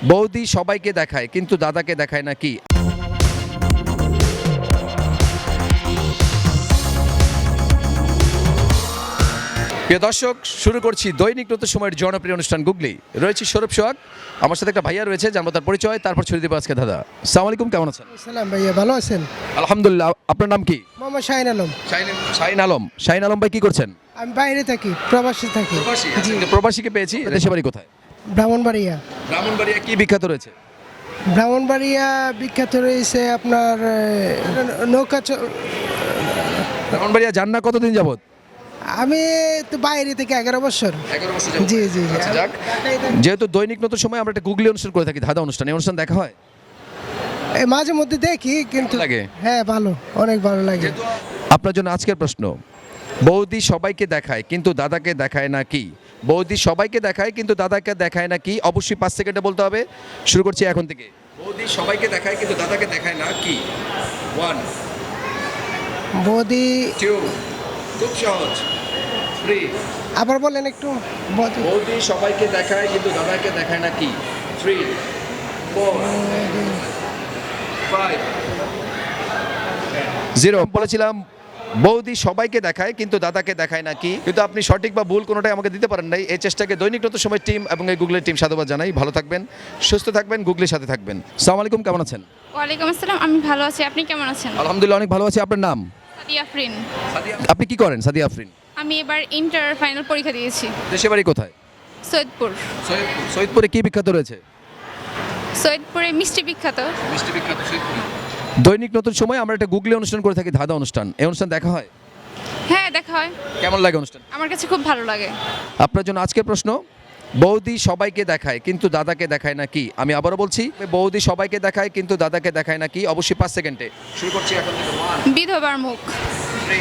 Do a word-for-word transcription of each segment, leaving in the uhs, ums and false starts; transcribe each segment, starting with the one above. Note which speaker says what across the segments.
Speaker 1: বৌদি সবাইকে দেখায় কিন্তু দাদাকে দেখায় না কি? প্রিয় দর্শক, শুরু করছি দৈনিক নতুন সময়ের জনপ্রিয় অনুষ্ঠান গুগলি। রয়েছে সৌরভ সোহাগ, আমার সাথে একটা ভাইয়া রয়েছে, জানবো তার পরিচয়, তারপর ছড়িয়ে দেবো আজকে দাদা। আসসালামু আলাইকুম, কেমন আছেন?
Speaker 2: সালাম ভাইয়া, ভালো আছেন?
Speaker 1: আলহামদুলিল্লাহ। আপনার নাম কি?
Speaker 2: মোহাম্মদ শাহিন আলম।
Speaker 1: শাহিন আলম। শাহিন আলম ভাই কি করছেন?
Speaker 2: আমি বাইরে থাকি, প্রবাসী থাকি। জি।
Speaker 1: প্রবাসীকে পেয়েছি। দেশে বাড়ি কোথায়?
Speaker 2: ব্রাহ্মণবাড়িয়া।
Speaker 1: ব্রাহ্মণবাড়িয়া কি বিখ্যাত রয়েছে?
Speaker 2: ব্রাহ্মণবাড়িয়া বিখ্যাত রয়েছে আপনার এ, নৌকা চ-
Speaker 1: ব্রাহ্মণবাড়িয়া যান না কতদিন যাবত?
Speaker 2: আমি তো বাইরে থেকে এগারো বছর। জি জি জি।
Speaker 1: আচ্ছা, যাক। যেহেতু দৈনিক নতুন সময় আমরা একটা গুগলি অনুষ্ঠান করে থাকি, ধাঁধা অনুষ্ঠান, এই অনুষ্ঠান দেখা হয়?
Speaker 2: এ, মাঝে মধ্যে দেখি কিন্তু
Speaker 1: ভালো লাগে?
Speaker 2: হ্যাঁ ভালো, অনেক ভালো লাগে।
Speaker 1: আপনার জন্য আজকের প্রশ্ন, বৌদি সবাইকে দেখায় কিন্তু দাদাকে দেখায় না কি? বৌদি সবাইকে দেখায় কিন্তু দাদাকে দেখায় না কি? অবশ্যই পাঁচ সেকেন্ডে বলতে হবে। শুরু করছি এখন থেকে। বৌদি সবাইকে দেখায় কিন্তু দাদাকে দেখায় না কি? ওয়ান,
Speaker 2: বৌদি,
Speaker 1: টু, খুব সহজ। থ্রি,
Speaker 2: আবার বলেন একটু। বৌদি,
Speaker 1: বৌদি সবাইকে দেখায় কিন্তু দাদাকে দেখায় না কি? Three, four, five, zero. বলেছিলাম বৌদি সবাইকে দেখায় কিন্তু দাদাকে দেখায় না কি? কিন্তু আপনি সঠিক বা ভুল কোনোটাই আমাকে দিতে পারেন নাই। এই চেষ্টাকে দৈনিক নতুন সময় টিম এবং এই গুগলের টিম সাধুবাদ জানাই। ভালো থাকবেন, সুস্থ থাকবেন, গুগলির সাথে থাকবেন। আসসালামু আলাইকুম, কেমন আছেন?
Speaker 3: ওয়ালাইকুম আসসালাম, আমি ভালো আছি। আপনি কেমন আছেন?
Speaker 1: আলহামদুলিল্লাহ, অনেক ভালো আছি। আপনার নাম?
Speaker 3: সাদিয়া আফরিন।
Speaker 1: আপনি কি করেন সাদিয়া আফরিন?
Speaker 3: আমি এবার ইন্টার ফাইনাল পরীক্ষা দিয়েছি
Speaker 1: দেশে বাড়ি কোথায়?
Speaker 3: সৈয়দপুর।
Speaker 1: সৈয়দপুরে কি বিখ্যাত রয়েছে?
Speaker 3: সৈয়দপুরে মিষ্টি বিখ্যাত।
Speaker 1: মিষ্টি বিখ্যাত সৈয়দপুর। দৈনিক নতুন সময় আমরা একটা গুগলি অনুষ্ঠান করে থাকি, ধাঁধা অনুষ্ঠান। এই অনুষ্ঠান দেখা হয়?
Speaker 3: হ্যাঁ, দেখা হয়।
Speaker 1: কেমন লাগে অনুষ্ঠান?
Speaker 3: আমার কাছে খুব ভালো লাগে।
Speaker 1: আপনার জন্য আজকের প্রশ্ন, বৌদি সবাইকে দেখায় কিন্তু দাদাকে দেখায় না কি? আমি আবারও বলছি, বৌদি সবাইকে দেখায় কিন্তু দাদাকে দেখায় না কি? অবশ্যই পাঁচ সেকেন্ডে। শুরু করছি এখন থেকে। ওয়ান,
Speaker 3: বিধবার মুখ।
Speaker 1: থ্রি,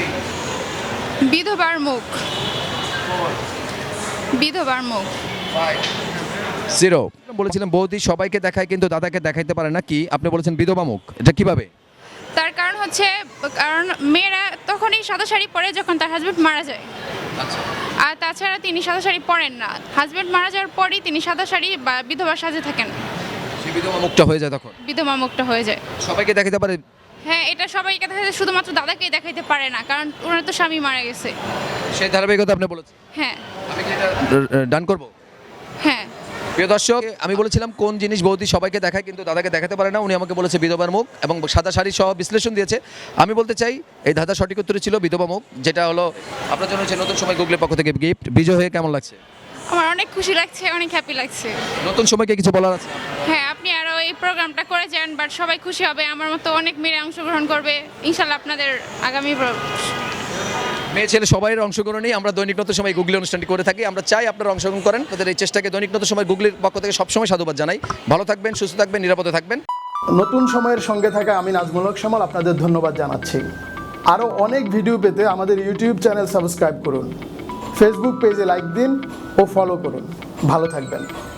Speaker 3: বিধবার মুখ।
Speaker 1: ফোর,
Speaker 3: বিধবার মুখ।
Speaker 1: Five, zero. বলেছিলাম বৌদি সবাইকে দেখায় কিন্তু দাদাকে দেখাইতে পারে না কি? আপনি বলেছেন বিধবা মুখ। এটা কিভাবে?
Speaker 3: তার কারণ হচ্ছে, কারণ মেয়েরা তখনই সাদা শাড়ি পরে যখন তার হাজবেন্ড মারা যায়।
Speaker 1: আচ্ছা,
Speaker 3: আর তাছাড়া তিনি সাদা শাড়ি পরেন না। হাজবেন্ড মারা যাওয়ার পরই তিনি সাদা শাড়ি বা বিধবার সাজে থাকেন।
Speaker 1: সেই বিধবা মুখটা হয়ে যায় তখন।
Speaker 3: বিধবা মুখটা হয়ে যায়।
Speaker 1: সবাইকে দেখাইতে পারে?
Speaker 3: হ্যাঁ, এটা সবাইকে দেখাতে, শুধুমাত্র দাদাকেই দেখাইতে পারে না, কারণ ওনার তো স্বামী মারা গেছে।
Speaker 1: সেই ধারাবাহিকতা আপনি বলেছেন।
Speaker 3: হ্যাঁ
Speaker 1: আমি কি এটা ডান করব?
Speaker 3: হ্যাঁ।
Speaker 1: প্রিয় দর্শক, আমি বলেছিলাম কোন জিনিস বৌদি সবাইকে দেখায় কিন্তু দাদাকে দেখাতে পারে না। উনি আমাকে বলেছে বিধবার মুখ এবং সাদা শাড়ি সহ বিশ্লেষণ দিয়েছে। আমি বলতে চাই এই ধাঁধা সঠিক উত্তর ছিল বিধবা মুখ, যেটা হলো আপনার জন্য হচ্ছে নতুন সময় গুগলের পক্ষ থেকে গিফট। বিজয় হয়ে কেমন লাগছে?
Speaker 3: আমার অনেক খুশি লাগছে, অনেক হ্যাপি লাগছে।
Speaker 1: নতুন সময়কে কিছু বলার আছে?
Speaker 3: হ্যাঁ, আপনি আরও এই প্রোগ্রামটা করে যান, বাট সবাই খুশি হবে। আমার মতো অনেক মেয়েরা অংশগ্রহণ করবে ইনশাল্লাহ আপনাদের আগামী প্র-
Speaker 1: মেয়ে ছেলে সবাই অংশগ্রহণই আমরা দৈনিক নতুন সময় গুগলি অনুষ্ঠানটি করে থাকি। আমরা চাই আপনারা অংশগ্রহণ করেন। আপনাদের এই চেষ্টাকে দৈনিক নতুন সময় গুগলির পক্ষ থেকে সবসময় সাধুবাদ জানাই। ভালো থাকবেন, সুস্থ থাকবেন, নিরাপদে থাকবেন।
Speaker 4: নতুন সময়ের সঙ্গে থাকা আমি নাজমুল হক শ্যামল আপনাদের ধন্যবাদ জানাচ্ছি। আরও অনেক ভিডিও পেতে আমাদের ইউটিউব চ্যানেল সাবস্ক্রাইব করুন, ফেসবুক পেজে লাইক দিন ও ফলো করুন। ভালো থাকবেন।